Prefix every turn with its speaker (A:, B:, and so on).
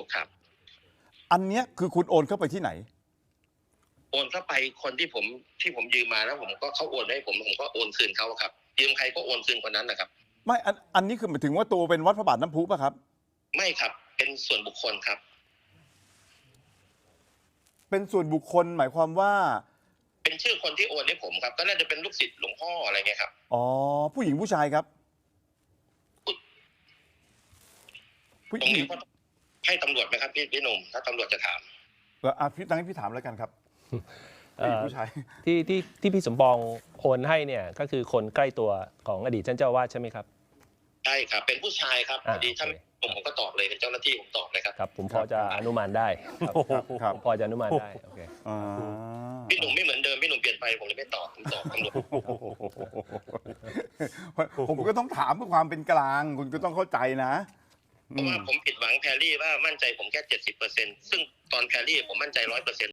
A: ครับ
B: อันเนี้ยคือคุณโอนเข้าไปที่ไหน
A: โอนเข้าไปคนที่ผมยืมมาแล้วผมก็เขาโอนให้ผมก็โอนคืนเขาครับยืมใครก็โอนคืนคนนั้นนะครับ
B: ไม่อันนี้คือหมายถึงว่าตัวเป็นวัดพระบาทน้ำพุป่ะครับ
A: ไม่ครับเป็นส่วนบุคคลครับ
B: เป็นส่วนบุคคลหมายความว่า
A: เป็นชื่อคนที่โอนให้ผมครับก็น่าจะเป็นลูกศิษย์หลวงพ่ออะไรเงี้ยครับ
B: อ๋อผู้หญิงผู้ชายครับผู้
A: ตรง
B: หญิง
A: นี้ก็ให้ตำรวจไหมครับพี่หนุ่มถ้าตำรวจจะถาม
B: พี่ตั้งให้พี่ถามแล้วกันครับผู้หญิงผู้ชาย
C: ที่พี่สมปองโอนให้เนี่ยก็คือคนใกล้ตัวของอดีตท่านเจ้าอาวาสใช่ไหมครับ
A: ใช่ครับเป็นผู้ชายครับพอดีท่านผมก็ตอบเลยเป็นเจ้าหน้าที่ผมตอบเลยครับ
C: ครับผมพอจะอนุมานได้ครับพอจะอนุมานได้โอเค
A: พี่หนุ่มไม่เหมือนเดิมพี่หนุ่มเปลี่ยนไปผมเลยไม่ตอบผมตอบตำรวจ
B: ผมก็ต้องถามเพื่อความเป็นกลางคุณก็ต้องเข้าใจนะ
A: เพราะว่าผมผิดหวังแพรรี่ว่ามั่นใจผมแค่70%ซึ่งตอนแพรรี่ผมมั่นใจ100%